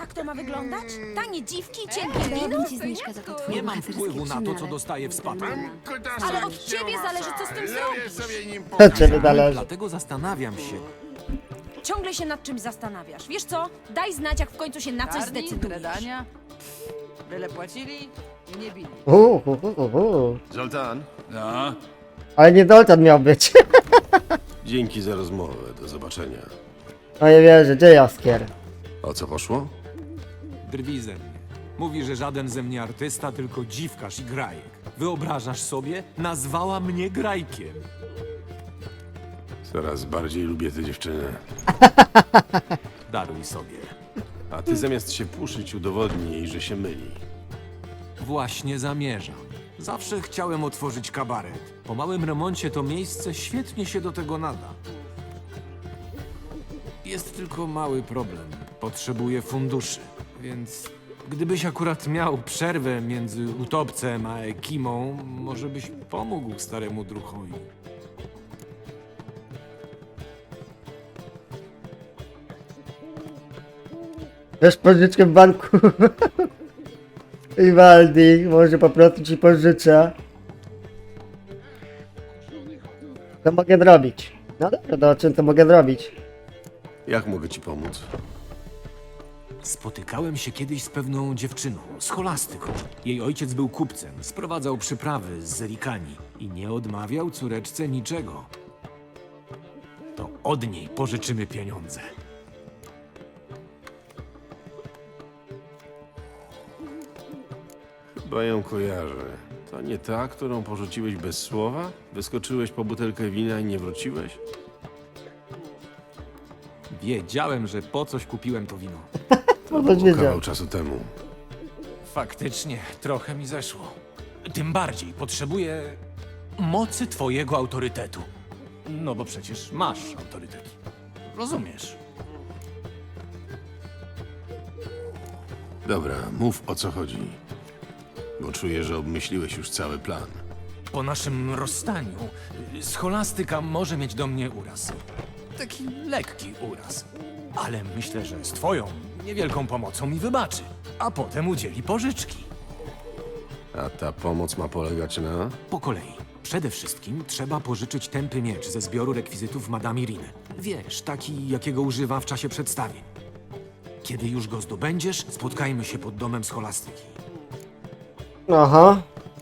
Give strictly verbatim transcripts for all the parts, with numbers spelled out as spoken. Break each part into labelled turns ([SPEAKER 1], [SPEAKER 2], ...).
[SPEAKER 1] tak to ma wyglądać? Tanie dziwki, cienkie wino?
[SPEAKER 2] Dałabym ci zniżkę za to twoje
[SPEAKER 3] Nie mam
[SPEAKER 2] bohaterskie
[SPEAKER 3] wpływu na to, co
[SPEAKER 2] przynale.
[SPEAKER 3] dostaję w spadku.
[SPEAKER 1] Ale od ciebie zależy, co z tym zrobisz.
[SPEAKER 4] sobie nim
[SPEAKER 5] To ciebie zależy.
[SPEAKER 3] Dlatego zastanawiam się.
[SPEAKER 1] Ciągle się nad czymś zastanawiasz. Wiesz co? Daj znać, jak w końcu się na coś
[SPEAKER 6] Czarni, tyle
[SPEAKER 1] zdecydujesz.
[SPEAKER 6] dania. Byle płacili i nie bili.
[SPEAKER 5] Uuu, uuu, uuu.
[SPEAKER 4] Zoltan,
[SPEAKER 7] No,
[SPEAKER 5] Ale nie Dolcan miał być.
[SPEAKER 4] dzięki za rozmowę. Do zobaczenia.
[SPEAKER 5] No nie wierzę, gdzie Jaskier?
[SPEAKER 4] O co poszło?
[SPEAKER 3] Drwi ze mnie. Mówi, że żaden ze mnie artysta, tylko dziwkarz i grajek. Wyobrażasz sobie? Nazwała mnie grajkiem.
[SPEAKER 4] Coraz bardziej lubię tę dziewczynę.
[SPEAKER 3] Daruj sobie.
[SPEAKER 4] A ty zamiast się puszyć, udowodnij jej, że się myli.
[SPEAKER 3] Właśnie zamierzam. Zawsze chciałem otworzyć kabaret. Po małym remoncie to miejsce świetnie się do tego nada. Jest tylko mały problem. Potrzebuję funduszy, więc gdybyś akurat miał przerwę między utopcem a Ekimą, może byś pomógł staremu druchowi.
[SPEAKER 5] Wiesz pożyczkę w banku? Iwaldi, może po prostu ci pożyczę. Co mogę zrobić? No dobra, to o czym to mogę zrobić?
[SPEAKER 4] Jak mogę ci pomóc?
[SPEAKER 3] Spotykałem się kiedyś z pewną dziewczyną, scholastyką. Jej ojciec był kupcem, sprowadzał przyprawy z Zerikani i nie odmawiał córeczce niczego. To od niej pożyczymy pieniądze.
[SPEAKER 4] Chyba ją kojarzę. To nie ta, którą porzuciłeś bez słowa? Wyskoczyłeś po butelkę wina i nie wróciłeś?
[SPEAKER 3] Wiedziałem, że po coś kupiłem to wino.
[SPEAKER 5] To
[SPEAKER 4] Było
[SPEAKER 5] wiedział.
[SPEAKER 4] kawał czasu temu.
[SPEAKER 3] Faktycznie, trochę mi zeszło. Tym bardziej potrzebuję mocy twojego autorytetu. No bo przecież masz autorytet. Rozumiesz?
[SPEAKER 4] Dobra, mów o co chodzi. Bo czuję, że obmyśliłeś już cały plan.
[SPEAKER 3] Po naszym rozstaniu scholastyka może mieć do mnie uraz. Taki lekki uraz. Ale myślę, że z twoją niewielką pomocą mi wybaczy. A potem udzieli pożyczki.
[SPEAKER 4] A ta pomoc ma polegać na...
[SPEAKER 3] Po kolei. Przede wszystkim trzeba pożyczyć tępy miecz ze zbioru rekwizytów Madame Iriny. Wiesz, taki, jakiego używa w czasie przedstawień. Kiedy już go zdobędziesz, spotkajmy się pod domem scholastyki.
[SPEAKER 5] Aha.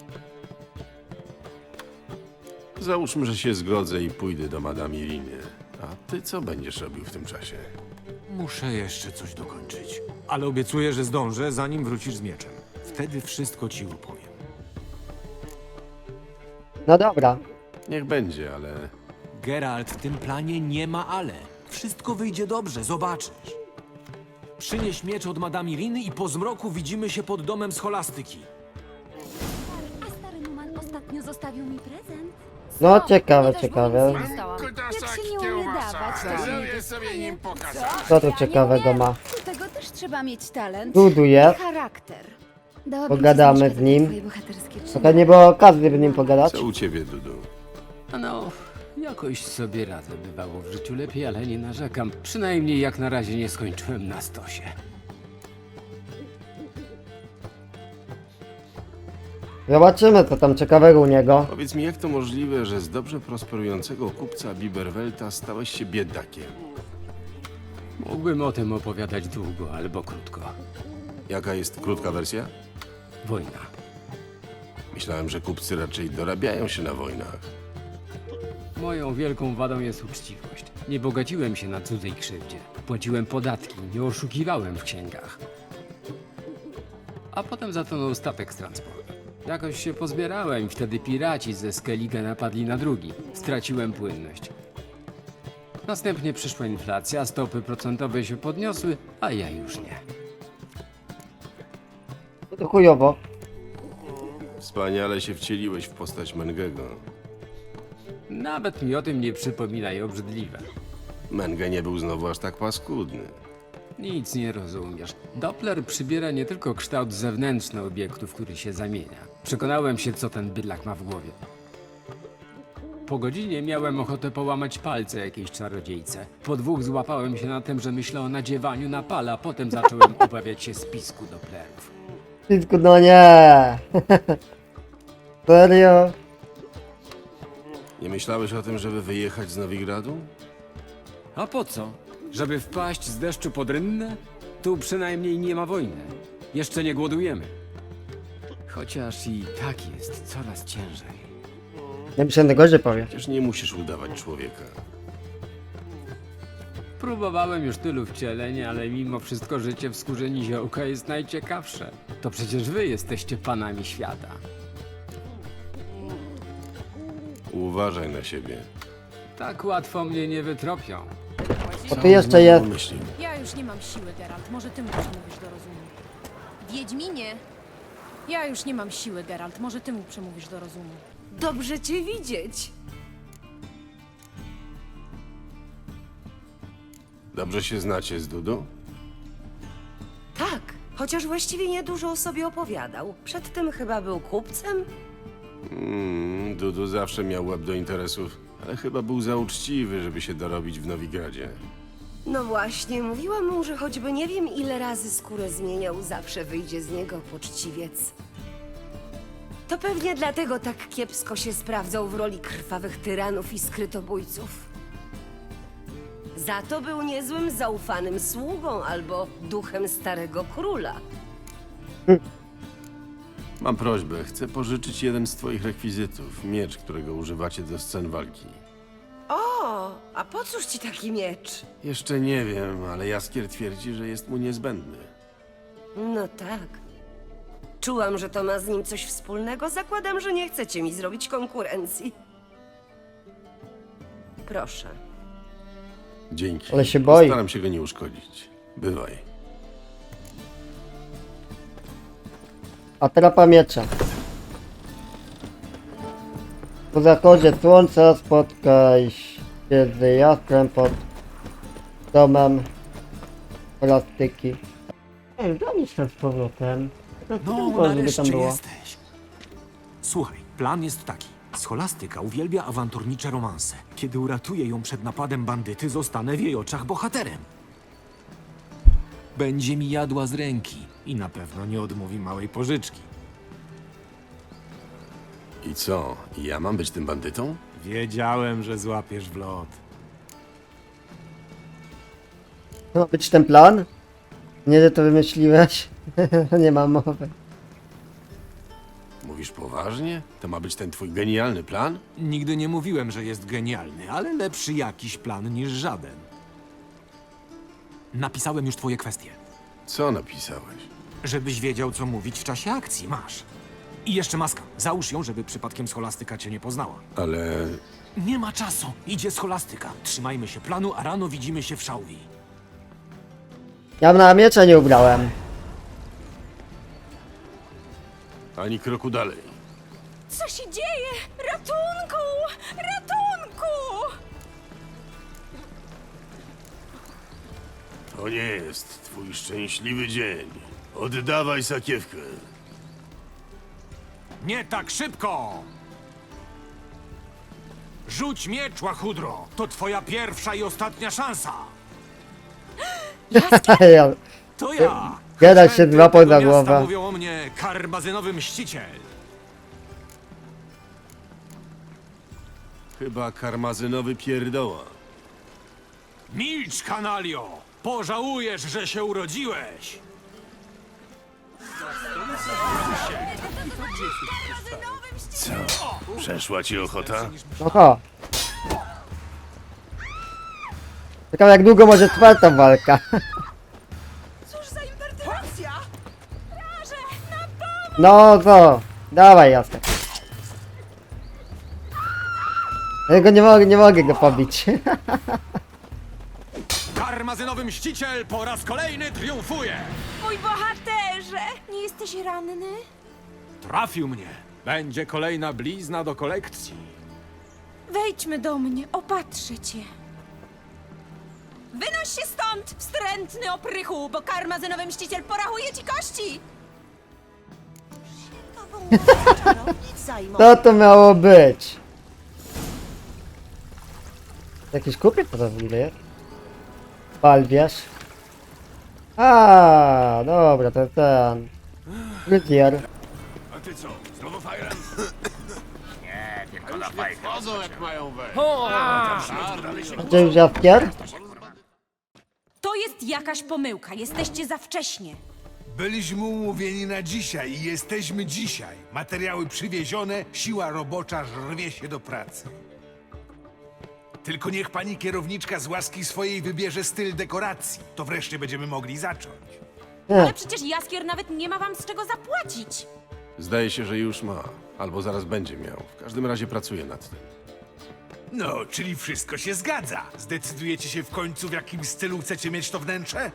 [SPEAKER 4] Załóżmy, że się zgodzę i pójdę do Madame Iriny. A ty co będziesz robił w tym czasie?
[SPEAKER 3] Muszę jeszcze coś dokończyć. Ale obiecuję, że zdążę, zanim wrócisz z mieczem. Wtedy wszystko ci opowiem.
[SPEAKER 5] No dobra.
[SPEAKER 4] Niech będzie, ale...
[SPEAKER 3] Geralt, w tym planie nie ma ale. Wszystko wyjdzie dobrze, zobaczysz. Przynieś miecz od Madame Iriny i po zmroku widzimy się pod domem scholastyki.
[SPEAKER 2] A stary Numan ostatnio zostawił mi prezent.
[SPEAKER 5] No ciekawe,
[SPEAKER 2] Ja też
[SPEAKER 5] ciekawe.
[SPEAKER 2] nic nie dostałam. Jak się nie umie dawać, to się nie
[SPEAKER 4] sobie nim pokazać.
[SPEAKER 5] Co tu ciekawego ma?
[SPEAKER 2] Do tego też trzeba mieć talent
[SPEAKER 5] Buduje.
[SPEAKER 2] i charakter. Dałabym ci
[SPEAKER 5] Pogadamy
[SPEAKER 2] zniżkę
[SPEAKER 5] z
[SPEAKER 2] za
[SPEAKER 5] nim.
[SPEAKER 2] twoje bohaterskie
[SPEAKER 5] Trochę
[SPEAKER 2] czyny.
[SPEAKER 5] nie było okazji, by nim pogadać.
[SPEAKER 4] Co u ciebie, Dudu?
[SPEAKER 7] no, jakoś sobie radzę. Bywało w życiu lepiej, ale nie narzekam. Przynajmniej jak na razie nie skończyłem na stosie.
[SPEAKER 5] Zobaczymy, co tam ciekawego u niego.
[SPEAKER 4] Powiedz mi, jak to możliwe, że z dobrze prosperującego kupca Biberwelta stałeś się biedakiem?
[SPEAKER 7] Mógłbym o tym opowiadać długo albo krótko.
[SPEAKER 4] Jaka jest krótka wersja?
[SPEAKER 7] Wojna.
[SPEAKER 4] Myślałem, że kupcy raczej dorabiają się na wojnach.
[SPEAKER 7] Moją wielką wadą jest uczciwość. Nie bogaciłem się na cudzej krzywdzie. Płaciłem podatki, nie oszukiwałem w księgach. A potem zatonął statek z transportem. Jakoś się pozbierałem, wtedy piraci ze Skellige napadli na drugi. Straciłem płynność. Następnie przyszła inflacja, stopy procentowe się podniosły, a ja już nie.
[SPEAKER 5] To chujowo.
[SPEAKER 4] Wspaniale się wcieliłeś w postać Mengego.
[SPEAKER 7] Nawet mi o tym nie przypominaj, obrzydliwe.
[SPEAKER 4] Menge nie był znowu aż tak paskudny.
[SPEAKER 7] Nic nie rozumiesz. Doppler przybiera nie tylko kształt zewnętrzny obiektu, w który się zamienia. Przekonałem się, co ten bydlak ma w głowie. po godzinie miałem ochotę połamać palce jakiejś czarodziejce. Po dwóch złapałem się na tym, że myślę o nadziewaniu na pala, potem zacząłem obawiać się spisku Dopplerów.
[SPEAKER 5] Pisku, no nie. Serio?
[SPEAKER 4] Nie myślałeś o tym, żeby wyjechać z Nowigradu?
[SPEAKER 7] A po co? Żeby wpaść z deszczu pod rynnę? Tu przynajmniej nie ma wojny. Jeszcze nie głodujemy. Chociaż i tak jest coraz ciężej.
[SPEAKER 5] Ja myślałem, że gorzej powie.
[SPEAKER 4] Przecież nie musisz udawać człowieka.
[SPEAKER 7] Próbowałem już tylu wcieleń, ale mimo wszystko życie w skórze niziołka jest najciekawsze. To przecież wy jesteście panami świata.
[SPEAKER 4] Uważaj na siebie.
[SPEAKER 7] Tak łatwo mnie nie wytropią.
[SPEAKER 5] Bo tu jeszcze jest.
[SPEAKER 4] Myśli.
[SPEAKER 1] Ja już nie mam siły, Geralt. Może ty mu przemówisz do rozumu. Wiedźminie! Ja już nie mam siły, Geralt. Może ty mu przemówisz do rozumu.
[SPEAKER 8] Dobrze cię widzieć.
[SPEAKER 4] Dobrze się znacie z Dudu?
[SPEAKER 8] Tak, chociaż właściwie niedużo o sobie opowiadał. Przedtem chyba był kupcem?
[SPEAKER 4] Mm, Dudu zawsze miał łeb do interesów, ale chyba był za uczciwy, żeby się dorobić w Nowigradzie.
[SPEAKER 8] No właśnie, mówiłam mu, że choćby nie wiem ile razy skórę zmieniał, zawsze wyjdzie z niego poczciwiec. To pewnie dlatego tak kiepsko się sprawdzał w roli krwawych tyranów i skrytobójców. Za to był niezłym zaufanym sługą albo duchem starego króla.
[SPEAKER 4] Mam prośbę, chcę pożyczyć jeden z twoich rekwizytów. Miecz, którego używacie do scen walki.
[SPEAKER 8] O, a po cóż ci taki miecz?
[SPEAKER 4] Jeszcze nie wiem, ale Jaskier twierdzi, że jest mu niezbędny.
[SPEAKER 8] No tak. Czułam, że to ma z nim coś wspólnego. Zakładam, że nie chcecie mi zrobić konkurencji. Proszę.
[SPEAKER 4] Dzięki.
[SPEAKER 5] Ale się boi.
[SPEAKER 4] Staram się go nie uszkodzić. Bywaj.
[SPEAKER 5] Atrapa miecza. Po zachodzie słońca spotkaj się z jastrem pod domem plastyki. Ej, zamieć tam z powrotem. To
[SPEAKER 3] No,
[SPEAKER 5] tylko, żeby
[SPEAKER 3] nareszcie
[SPEAKER 5] tam było.
[SPEAKER 3] jesteś. Słuchaj, plan jest taki. Scholastyka uwielbia awanturnicze romanse. Kiedy uratuję ją przed napadem bandyty, zostanę w jej oczach bohaterem. Będzie mi jadła z ręki i na pewno nie odmówi małej pożyczki.
[SPEAKER 4] I co? Ja mam być tym bandytą?
[SPEAKER 3] Wiedziałem, że złapiesz w lot.
[SPEAKER 5] Ma być ten plan? Nie, że to wymyśliłeś. Nie mam mowy.
[SPEAKER 4] Mówisz poważnie? To ma być ten twój genialny plan?
[SPEAKER 3] Nigdy nie mówiłem, że jest genialny, ale lepszy jakiś plan niż żaden. Napisałem już twoje kwestie.
[SPEAKER 4] Co napisałeś?
[SPEAKER 3] Żebyś wiedział, co mówić w czasie akcji. Masz. I jeszcze maska. Załóż ją, żeby przypadkiem scholastyka cię nie poznała.
[SPEAKER 4] Ale
[SPEAKER 3] Nie ma czasu. Idzie scholastyka. Trzymajmy się planu, a rano widzimy się w szałwi.
[SPEAKER 5] Ja na miecza nie ubrałem.
[SPEAKER 4] ani kroku dalej.
[SPEAKER 1] Co się dzieje? Ratunku! Ratunku!
[SPEAKER 4] To nie jest twój szczęśliwy dzień. Oddawaj sakiewkę.
[SPEAKER 3] Nie tak szybko! Rzuć miecz, łachudro! To twoja pierwsza i ostatnia szansa!
[SPEAKER 5] Ja,
[SPEAKER 3] To ja!
[SPEAKER 5] Geralt się
[SPEAKER 3] Chętny
[SPEAKER 5] złapał
[SPEAKER 3] tego
[SPEAKER 5] za
[SPEAKER 3] miasta
[SPEAKER 5] głowę.
[SPEAKER 3] Mówią o mnie karmazynowy mściciel.
[SPEAKER 4] Chyba karmazynowy pierdoła.
[SPEAKER 3] Milcz, kanalio! Pożałujesz, że się urodziłeś!
[SPEAKER 4] Co? Przeszła ci ochota?
[SPEAKER 5] oho. Ciekawe jak długo może trwać ta walka.
[SPEAKER 6] Cóż za impertynacja!
[SPEAKER 5] No co? Dawaj jasne. Ja go nie mogę, nie mogę go pobić.
[SPEAKER 3] Karmazynowy mściciel po raz kolejny triumfuje!
[SPEAKER 1] Mój bohaterze! Nie jesteś ranny?
[SPEAKER 3] Trafił mnie! Będzie kolejna blizna do kolekcji.
[SPEAKER 1] Wejdźmy do mnie, opatrzę cię. Wynoś się stąd, wstrętny oprychu, bo karmazynowy mściciel porachuje ci kości!
[SPEAKER 5] Co to miało być? Jakiś kupiec to w ogóle jest? Balwiarz. A, dobra, to ten. Fryzjer.
[SPEAKER 4] A ty co, znowu fajran? Nie, tylko na fajkę. Chodzą jak mają wejść.
[SPEAKER 5] Gdzie już jaskier?
[SPEAKER 1] To jest jakaś pomyłka. Jesteście za wcześnie.
[SPEAKER 9] Byliśmy umówieni na dzisiaj i jesteśmy dzisiaj. Materiały przywiezione, siła robocza rwie się do pracy. Tylko niech pani kierowniczka z łaski swojej wybierze styl dekoracji. To wreszcie będziemy mogli zacząć.
[SPEAKER 1] Ale przecież Jaskier nawet nie ma wam z czego zapłacić.
[SPEAKER 4] Zdaje się, że już ma. Albo zaraz będzie miał. W każdym razie pracuje nad tym.
[SPEAKER 9] No, czyli wszystko się zgadza. Zdecydujecie się w końcu, w jakim stylu chcecie mieć to wnętrze?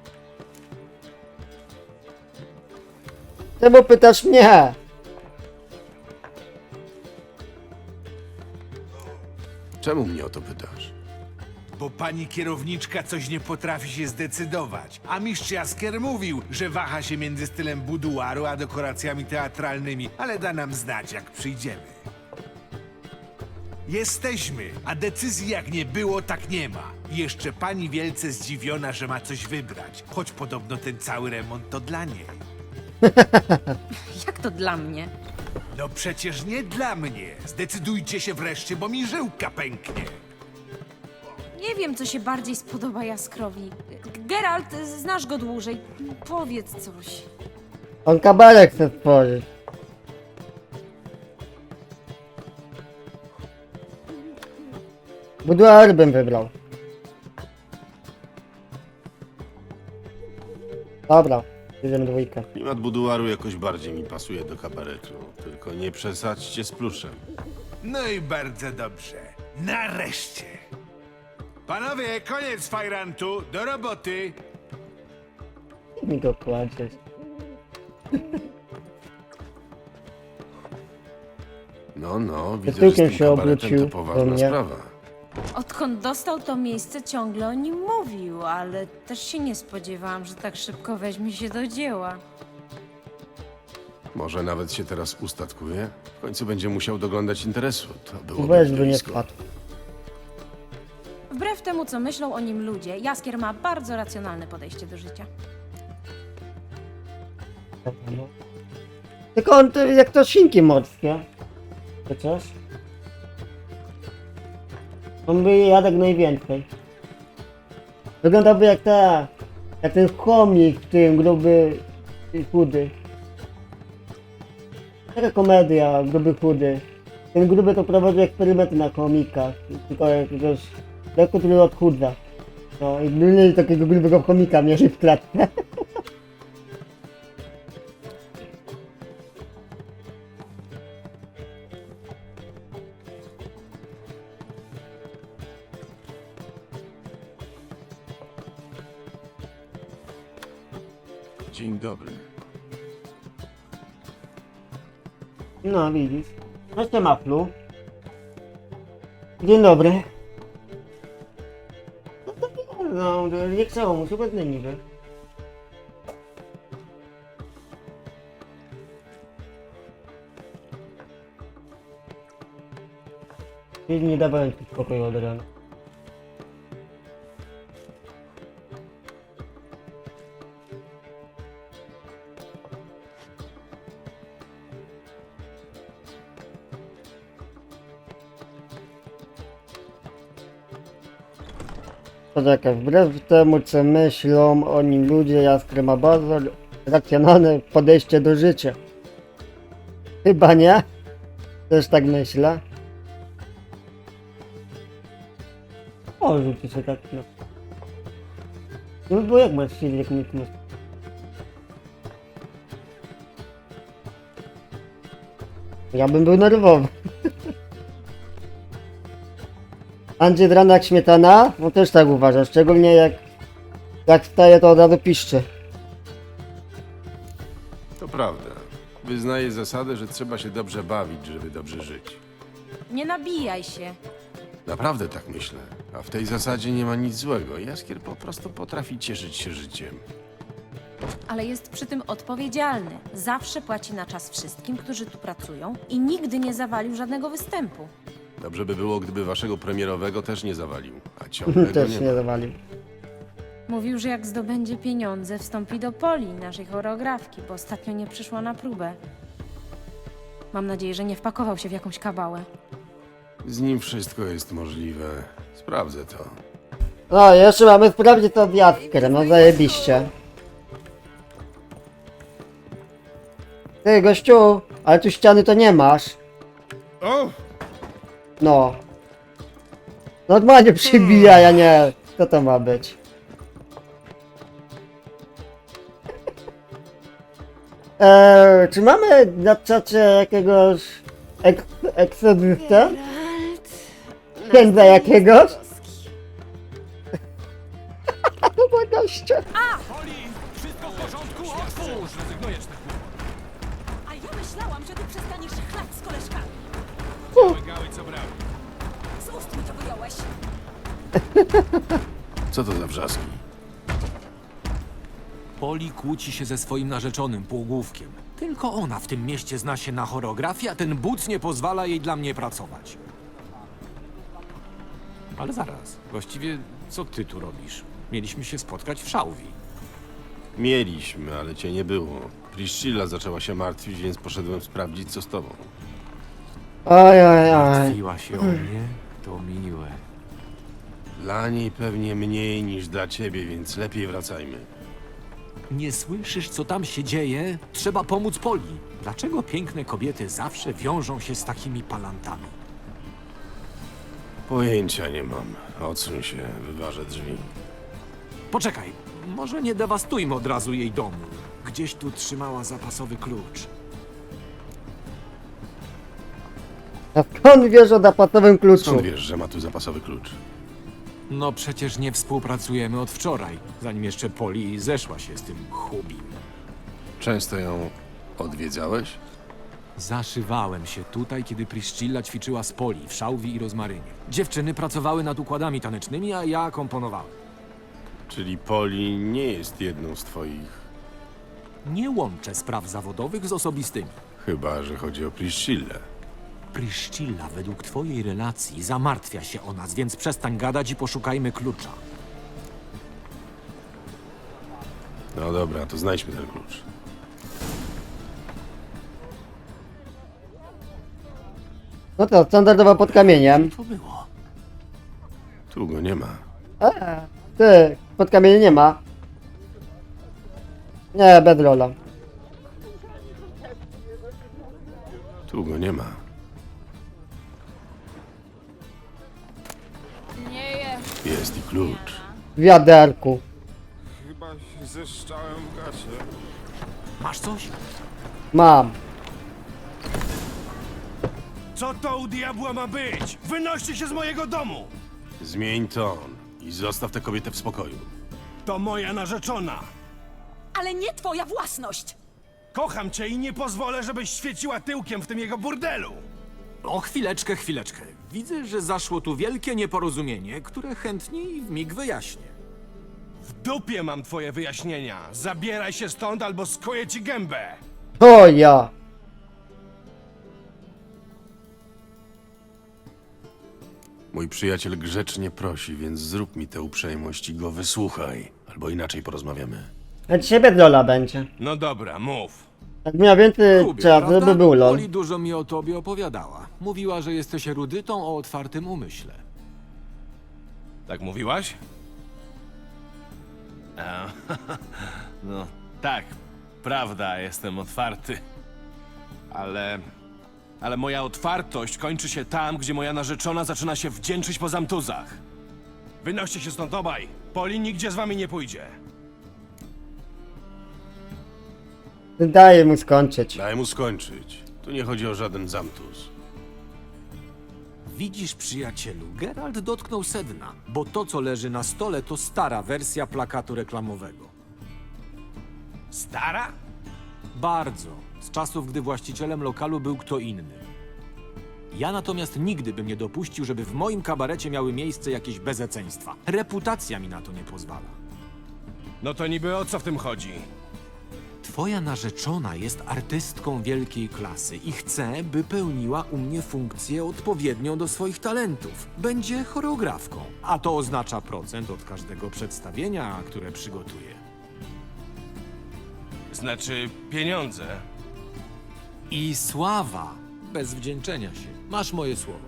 [SPEAKER 5] Czemu pytasz mnie?
[SPEAKER 4] Czemu mnie o to pytasz?
[SPEAKER 9] Bo pani kierowniczka coś nie potrafi się zdecydować. A mistrz Jaskier mówił, że waha się między stylem buduaru a dekoracjami teatralnymi, ale da nam znać, jak przyjdziemy. Jesteśmy, a decyzji jak nie było, tak nie ma. I jeszcze pani wielce zdziwiona, że ma coś wybrać, choć podobno ten cały remont to dla niej.
[SPEAKER 1] Jak to dla mnie?
[SPEAKER 9] No przecież nie dla mnie. Zdecydujcie się wreszcie, bo mi żyłka pęknie.
[SPEAKER 1] Nie wiem, co się bardziej spodoba Jaskrowi. Geralt, znasz go dłużej. Powiedz coś.
[SPEAKER 5] On kabarek chce stworzyć. Buduar bym wybrał. Dobra, bierzemy dwójkę.
[SPEAKER 4] Klimat buduaru jakoś bardziej mi pasuje do kabaretu. Tylko nie przesadźcie z pluszem.
[SPEAKER 9] No i bardzo dobrze. Nareszcie. Panowie, koniec fajrantu. Do roboty.
[SPEAKER 5] Mi go kładziesz.
[SPEAKER 4] No, no, widzę, że z
[SPEAKER 5] tyłkiem
[SPEAKER 4] tym
[SPEAKER 5] się
[SPEAKER 4] kabaretem
[SPEAKER 5] obrócił
[SPEAKER 4] to
[SPEAKER 5] do
[SPEAKER 4] poważna
[SPEAKER 5] mnie.
[SPEAKER 4] sprawa.
[SPEAKER 1] Odkąd dostał to miejsce, ciągle o nim mówił, ale też się nie spodziewałam, że tak szybko weźmie się do dzieła.
[SPEAKER 4] Może nawet się teraz ustatkuje? W końcu będzie musiał doglądać interesu. To było
[SPEAKER 5] Weź by nie spadł.
[SPEAKER 1] Wbrew temu, co myślą o nim ludzie, Jaskier ma bardzo racjonalne podejście do życia.
[SPEAKER 5] No. Tylko on to jak to świnki morskie. Chociaż. On by je jadł jak najwięcej. Wyglądałby jak ta... jak ten chomik w tym, gruby i chudy. Taka komedia, gruby chudy. Ten gruby to prowadzi eksperymenty na chomikach. Tylko jakiegoś... leku, który odchudza. No i mieli takiego grubego chomika mierzy w klatce.
[SPEAKER 4] Dzień dobry.
[SPEAKER 5] No widzisz. Jeszcze maflu. Dzień dobry. No to nie, no, nie chciało mu się bez niby. Czyli nie dawałem ci spokoju od rana. Poczekaj, wbrew temu co myślą o nim ludzie, Jaskier ma bardzo racjonalne podejście do życia. Chyba nie? Też tak myślę. O, rzuci się tak, no. No bo jak masz siedzieć, jak nikt nie... Ja bym był nerwowy. Andrzej Drana jak śmietana? No też tak uważam, szczególnie jak... jak wstaje to od razu piszczy.
[SPEAKER 4] To prawda. Wyznaję zasadę, że trzeba się dobrze bawić, żeby dobrze żyć.
[SPEAKER 1] Nie nabijaj się.
[SPEAKER 4] Naprawdę tak myślę. A w tej zasadzie nie ma nic złego. Jaskier po prostu potrafi cieszyć się życiem.
[SPEAKER 1] Ale jest przy tym odpowiedzialny. Zawsze płaci na czas wszystkim, którzy tu pracują i nigdy nie zawalił żadnego występu.
[SPEAKER 4] Dobrze by było, gdyby waszego premierowego też nie zawalił, a ciągle go
[SPEAKER 5] Też
[SPEAKER 4] nie
[SPEAKER 5] nie
[SPEAKER 4] ma.
[SPEAKER 5] zawalił.
[SPEAKER 1] Mówił, że jak zdobędzie pieniądze, wstąpi do Poli, naszej choreografki, bo ostatnio nie przyszła na próbę. Mam nadzieję, że nie wpakował się w jakąś kabałę.
[SPEAKER 4] Z nim wszystko jest możliwe. Sprawdzę to.
[SPEAKER 5] No, jeszcze mamy sprawdzić to z Jaskrem, no zajebiście. Ty, gościu, ale tu ściany to nie masz.
[SPEAKER 9] O!
[SPEAKER 5] No. Normalnie przybija, ja nie. Co to ma być? Eee, czy mamy na czacie jakiegoś ek eksodysta?
[SPEAKER 8] Geralt...
[SPEAKER 5] Księdza jakiegoś? To za goście.
[SPEAKER 2] A ja myślałam, że ty przestaniesz chlać z koleżkami.
[SPEAKER 9] Gały, co brały.
[SPEAKER 2] Z ust mi to wyjąłeś.
[SPEAKER 4] Co to za wrzaski?
[SPEAKER 3] Poli kłóci się ze swoim narzeczonym półgłówkiem. Tylko ona w tym mieście zna się na choreografii, a ten buc nie pozwala jej dla mnie pracować. Ale zaraz, właściwie co ty tu robisz? Mieliśmy się spotkać w Szałwi.
[SPEAKER 4] Mieliśmy, ale cię nie było. Priscilla zaczęła się martwić, więc poszedłem sprawdzić, co z tobą.
[SPEAKER 5] Oj, oj, oj.
[SPEAKER 3] Martwiła się o mnie? To miłe.
[SPEAKER 4] Dla niej pewnie mniej niż dla ciebie, więc lepiej wracajmy.
[SPEAKER 3] Nie słyszysz, co tam się dzieje? Trzeba pomóc Poli. Dlaczego piękne kobiety zawsze wiążą się z takimi palantami?
[SPEAKER 4] Pojęcia nie mam. Odsuń się, wyważę drzwi.
[SPEAKER 3] Poczekaj, może nie dewastujmy od razu jej domu. Gdzieś tu trzymała zapasowy klucz.
[SPEAKER 5] A skąd wiesz o zapasowym kluczu?
[SPEAKER 4] Skąd wiesz, że ma tu zapasowy klucz?
[SPEAKER 3] No przecież nie współpracujemy od wczoraj, zanim jeszcze Poli zeszła się z tym chubim.
[SPEAKER 4] Często ją odwiedzałeś?
[SPEAKER 3] Zaszywałem się tutaj, kiedy Priscilla ćwiczyła z Poli w Szałwi i Rozmarynie. Dziewczyny pracowały nad układami tanecznymi, a ja komponowałem.
[SPEAKER 4] Czyli Poli nie jest jedną z twoich...
[SPEAKER 3] Nie łączę spraw zawodowych z osobistymi.
[SPEAKER 4] Chyba, że chodzi o Priscillę.
[SPEAKER 3] Priscilla według twojej relacji zamartwia się o nas, więc przestań gadać i poszukajmy klucza.
[SPEAKER 4] No dobra, to znajdźmy ten klucz.
[SPEAKER 5] No to standardowo pod kamieniem.
[SPEAKER 3] To było.
[SPEAKER 4] Tu go nie ma.
[SPEAKER 5] Eee, ty, pod kamieniem nie ma. Nie, bedrola.
[SPEAKER 4] Tu go nie ma.
[SPEAKER 1] Nie jest.
[SPEAKER 4] Jest i klucz.
[SPEAKER 5] W wiaderku.
[SPEAKER 10] Chyba się zeszczałem w gacie.
[SPEAKER 3] Masz coś?
[SPEAKER 5] Mam.
[SPEAKER 9] Co to u diabła ma być? Wynoście się z mojego domu!
[SPEAKER 4] Zmień ton i zostaw tę kobietę w spokoju.
[SPEAKER 9] To moja narzeczona.
[SPEAKER 2] Ale nie twoja własność!
[SPEAKER 9] Kocham cię i nie pozwolę, żebyś świeciła tyłkiem w tym jego burdelu.
[SPEAKER 3] O, chwileczkę, chwileczkę. Widzę, że zaszło tu wielkie nieporozumienie, które chętnie i w mig wyjaśnię.
[SPEAKER 9] W dupie mam twoje wyjaśnienia. Zabieraj się stąd albo skoję ci gębę.
[SPEAKER 5] O ja.
[SPEAKER 4] Mój przyjaciel grzecznie prosi, więc zrób mi tę uprzejmość i go wysłuchaj. Albo inaczej porozmawiamy.
[SPEAKER 5] A dzisiaj bedrola będzie.
[SPEAKER 9] No dobra, mów.
[SPEAKER 5] Jak miał więcej
[SPEAKER 3] Lubię,
[SPEAKER 5] czasu,
[SPEAKER 3] prawda?
[SPEAKER 5] by był lol.
[SPEAKER 3] Poli dużo mi o tobie opowiadała. Mówiła, że jesteś erudytą o otwartym umyśle.
[SPEAKER 9] Tak mówiłaś? A, no tak, prawda, jestem otwarty. Ale... Ale moja otwartość kończy się tam, gdzie moja narzeczona zaczyna się wdzięczyć po zamtuzach. Wynoście się stąd obaj. Poli nigdzie z wami nie pójdzie.
[SPEAKER 5] Daję mu skończyć.
[SPEAKER 4] Daj mu skończyć. Tu nie chodzi o żaden zamtus.
[SPEAKER 3] Widzisz, przyjacielu, Geralt dotknął sedna, bo to, co leży na stole, to stara wersja plakatu reklamowego.
[SPEAKER 9] Stara?
[SPEAKER 3] Bardzo. Z czasów, gdy właścicielem lokalu był kto inny. Ja natomiast nigdy bym nie dopuścił, żeby w moim kabarecie miały miejsce jakieś bezeceństwa. Reputacja mi na to nie pozwala.
[SPEAKER 9] No to niby o co w tym chodzi?
[SPEAKER 3] Twoja narzeczona jest artystką wielkiej klasy i chcę, by pełniła u mnie funkcję odpowiednią do swoich talentów. Będzie choreografką, a to oznacza procent od każdego przedstawienia, które przygotuje.
[SPEAKER 11] Znaczy pieniądze.
[SPEAKER 3] I sława, bez wdzięczenia się. Masz moje słowo.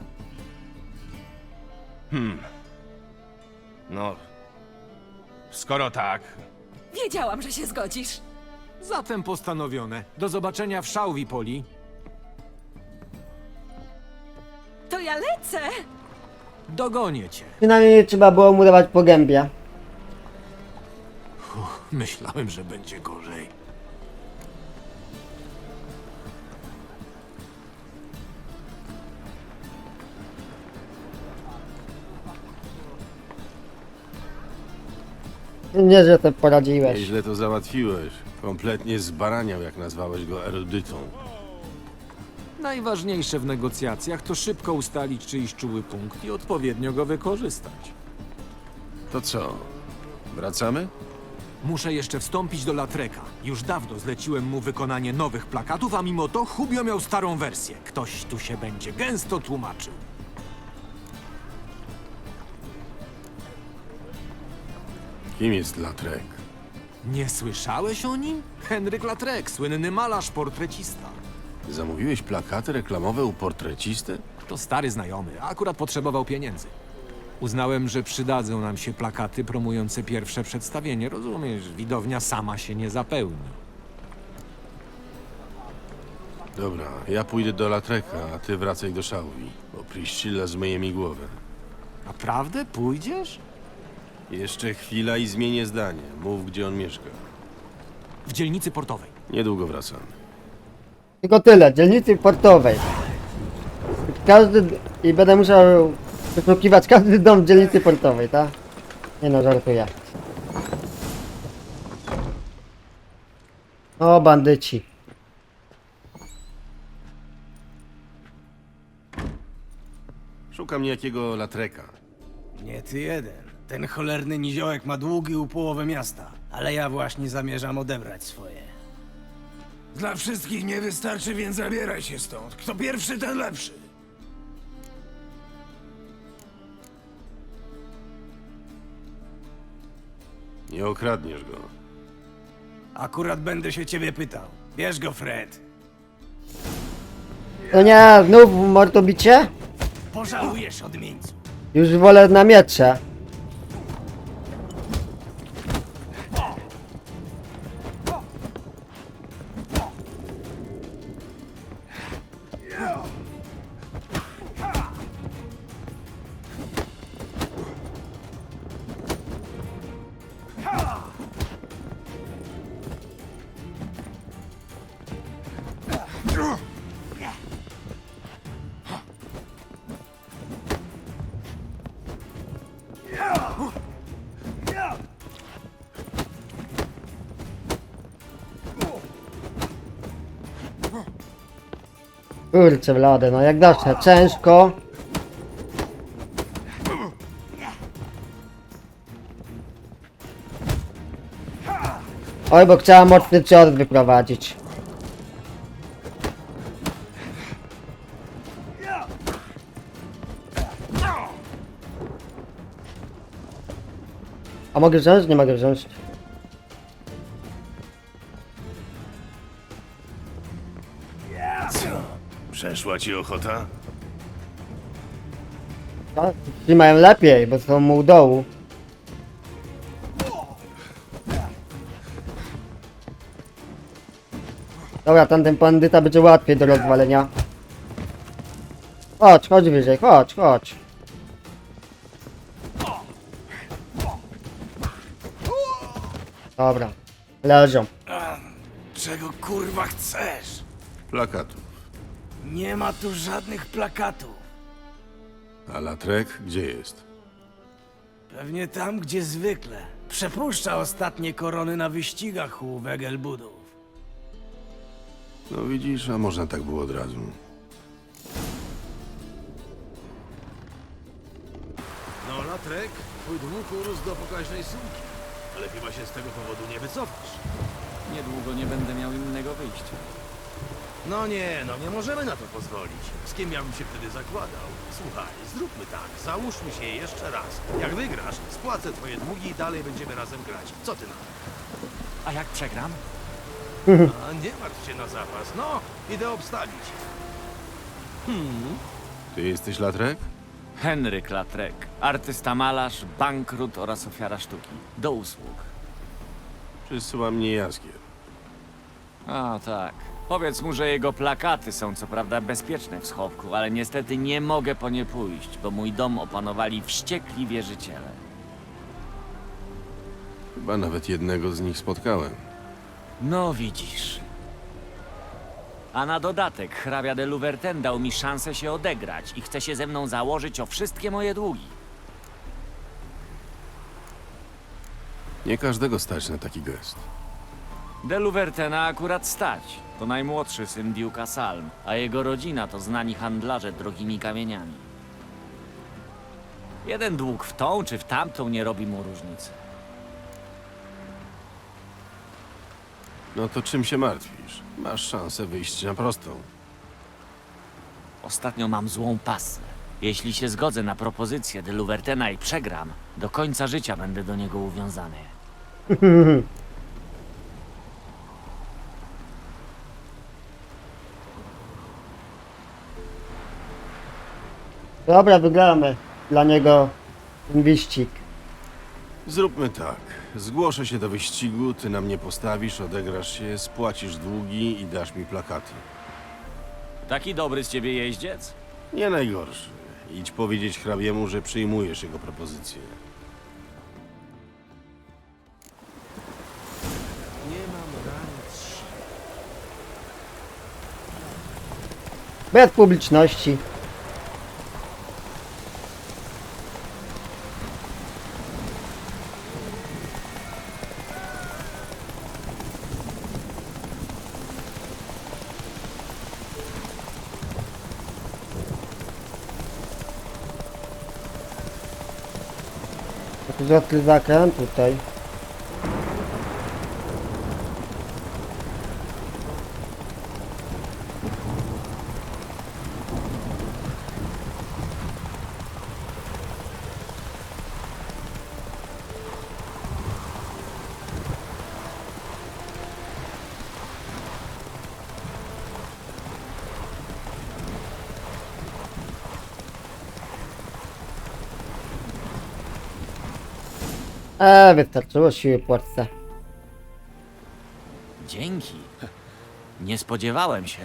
[SPEAKER 11] No, skoro tak,
[SPEAKER 2] Wiedziałam, że się zgodzisz.
[SPEAKER 3] Zatem postanowione. Do zobaczenia w Szałwi, Poli.
[SPEAKER 2] To ja lecę.
[SPEAKER 3] Dogonię cię.
[SPEAKER 5] Przynajmniej nie trzeba było mu dawać po gębie.
[SPEAKER 3] Myślałem, że będzie gorzej.
[SPEAKER 5] Nie, że to poradziłeś.
[SPEAKER 4] Nieźle to załatwiłeś. Kompletnie zbaraniał, jak nazwałeś go erudytą.
[SPEAKER 3] Najważniejsze w negocjacjach to szybko ustalić czyjś czuły punkt i odpowiednio go wykorzystać.
[SPEAKER 4] To co? Wracamy?
[SPEAKER 3] Muszę jeszcze wstąpić do Latreka. Już dawno zleciłem mu wykonanie nowych plakatów, a mimo to Hubio miał starą wersję. Ktoś tu się będzie gęsto tłumaczył.
[SPEAKER 4] Kim jest Latrek?
[SPEAKER 3] Nie słyszałeś o nim? Henryk Latrek, słynny malarz, portrecista.
[SPEAKER 4] Zamówiłeś plakaty reklamowe u portrecisty?
[SPEAKER 3] To stary znajomy, a akurat potrzebował pieniędzy. Uznałem, że przydadzą nam się plakaty promujące pierwsze przedstawienie. Rozumiesz, widownia sama się nie zapełni.
[SPEAKER 4] Dobra, ja pójdę do Latreka, a ty wracaj do Szałwi, bo Priscilla zmyje mi głowę.
[SPEAKER 3] Naprawdę? Pójdziesz?
[SPEAKER 4] Jeszcze chwila i zmienię zdanie. Mów, gdzie on mieszka.
[SPEAKER 3] W dzielnicy portowej.
[SPEAKER 4] Niedługo wracam.
[SPEAKER 5] Tylko tyle, dzielnicy portowej. Każdy... I będę musiał wyszukiwać każdy dom w dzielnicy portowej, tak? Nie no, żartuję. O, bandyci.
[SPEAKER 4] Szukam niejakiego Latreka.
[SPEAKER 11] nie ty jeden. Ten cholerny niziołek ma długi u połowy miasta, ale ja właśnie zamierzam odebrać swoje. Dla wszystkich nie wystarczy, więc zabieraj się stąd. Kto pierwszy, ten lepszy.
[SPEAKER 4] Nie okradniesz go.
[SPEAKER 11] Akurat będę się ciebie pytał. Bierz go, Fred.
[SPEAKER 5] No nie, znów mordobicie?
[SPEAKER 11] Pożałujesz, odmieńcu.
[SPEAKER 5] Już wolę na miecze. Kurczę blade, no jak zawsze, ciężko. Oj, bo chciała mocny cios wyprowadzić. A mogę wziąć? Nie mogę wziąć.
[SPEAKER 4] Przeszła ci ochota?
[SPEAKER 5] No, ci mają lepiej, bo są mu u dołu. Dobra, tamten bandyta będzie łatwiej do rozwalenia. Chodź, chodź wyżej, chodź, chodź. Dobra, leżą.
[SPEAKER 11] Czego kurwa chcesz?
[SPEAKER 4] Plakatu.
[SPEAKER 11] Nie ma tu żadnych plakatów.
[SPEAKER 4] A Latrek gdzie jest?
[SPEAKER 11] Pewnie tam, gdzie zwykle. Przepuszcza ostatnie korony na wyścigach u Wegelbudów.
[SPEAKER 4] No widzisz, a można tak było od razu.
[SPEAKER 12] No, Latrek, twój dług urósł do pokaźnej sumki, ale chyba się z tego powodu nie wycofasz.
[SPEAKER 13] Niedługo nie będę miał innego wyjścia.
[SPEAKER 12] No nie, no nie możemy na to pozwolić. Z kim ja bym się wtedy zakładał? Słuchaj, zróbmy tak, załóżmy się jeszcze raz. Jak wygrasz, spłacę twoje długi i dalej będziemy razem grać. Co ty na to?
[SPEAKER 13] A jak przegram?
[SPEAKER 12] A nie martw się na zapas. No, idę obstawić. Hmm.
[SPEAKER 4] Ty jesteś Latrek?
[SPEAKER 13] Henryk Latrek, artysta malarz, bankrut oraz ofiara sztuki. Do usług.
[SPEAKER 4] Przysyła mnie Jaskier.
[SPEAKER 13] A tak. Powiedz mu, że jego plakaty są co prawda bezpieczne w schowku, ale niestety nie mogę po nie pójść, bo mój dom opanowali wściekli wierzyciele.
[SPEAKER 4] Chyba nawet jednego z nich spotkałem.
[SPEAKER 13] No widzisz. A na dodatek hrabia de Louverten dał mi szansę się odegrać i chce się ze mną założyć o wszystkie moje długi.
[SPEAKER 4] Nie każdego stać na taki gest.
[SPEAKER 13] De Louvertena akurat stać. To najmłodszy syn Duke'a Salm, a jego rodzina to znani handlarze drogimi kamieniami. Jeden dług w tą czy w tamtą nie robi mu różnicy.
[SPEAKER 4] No to czym się martwisz? Masz szansę wyjść na prostą.
[SPEAKER 13] Ostatnio mam złą pasę. Jeśli się zgodzę na propozycję de Louvertena i przegram, do końca życia będę do niego uwiązany.
[SPEAKER 5] Dobra, wygramy dla niego ten wyścig.
[SPEAKER 4] Zróbmy tak. Zgłoszę się do wyścigu, ty na mnie postawisz, odegrasz się, spłacisz długi i dasz mi plakaty.
[SPEAKER 13] Taki dobry z ciebie jeździec?
[SPEAKER 4] Nie najgorszy. Idź powiedzieć hrabiemu, że przyjmujesz jego propozycję.
[SPEAKER 12] Nie mam granic sił.
[SPEAKER 5] Bez publiczności. To jest zakręt tutaj. Eee, wystarczyło siły płatce.
[SPEAKER 13] Dzięki. Nie spodziewałem się.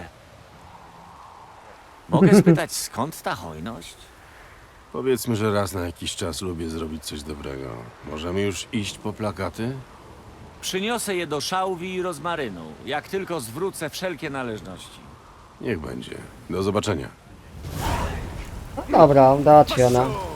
[SPEAKER 13] Mogę spytać, skąd ta hojność?
[SPEAKER 4] Powiedzmy, że raz na jakiś czas lubię zrobić coś dobrego. Możemy już iść po plakaty?
[SPEAKER 13] Przyniosę je do szałwi i rozmarynu, jak tylko zwrócę wszelkie należności.
[SPEAKER 4] Niech będzie. Do zobaczenia.
[SPEAKER 5] Dobra, dać ona.